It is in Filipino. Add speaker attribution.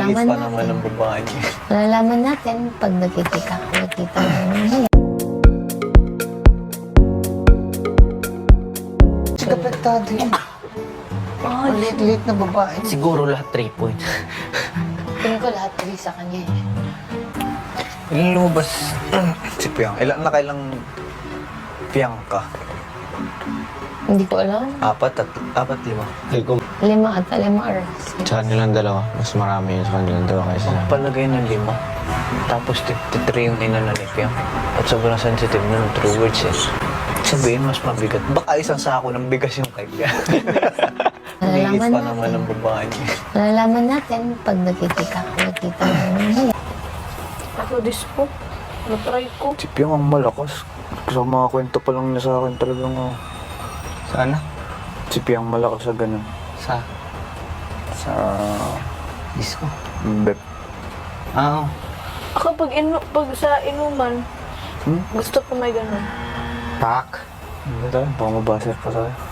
Speaker 1: Malalaman
Speaker 2: pa
Speaker 1: natin.
Speaker 2: naman ng babae niya.
Speaker 1: Malalaman natin pag nakikita namin.
Speaker 2: Sikapektado yun. Ang liit-liit na babae. Siguro lahat 3 points.
Speaker 1: Tingin ko lahat 3 sa kanya eh.
Speaker 2: Ilan lumabas si Piang? Ilan na kailang Piang ka?
Speaker 1: Hindi ko alam.
Speaker 2: 4, 5.
Speaker 3: Hindi ko
Speaker 1: 5 ata, 5 or 6.
Speaker 3: sa kanilang dalawa. Mas marami yun sa kanilang dalawa kaysa sa...
Speaker 2: Palagay ng 5. Tapos 53 yung inala ni Piang. At sobrang sensitive na ng true words eh. Sabihin mas mabigat. Baka isang sako ng bigas yung kay Piang. Liit
Speaker 1: Malalaman
Speaker 2: pa
Speaker 1: natin.
Speaker 2: naman ng babae niya.
Speaker 1: Malalaman natin pag nakikita namin.
Speaker 4: Ako dispo. Na-try ko.
Speaker 2: Si Piang ang malakas. Sa mga kwento pa lang niya sa akin talagang
Speaker 3: Sana?
Speaker 2: si Piang malakas sa ganun.
Speaker 3: Sa...
Speaker 2: Sa
Speaker 3: disco.
Speaker 2: bep.
Speaker 3: Ah,
Speaker 4: Ako pag sa inuman, gusto ko may ganun.
Speaker 3: pak.
Speaker 2: Hindi tayo, baka mabasa pa tayo.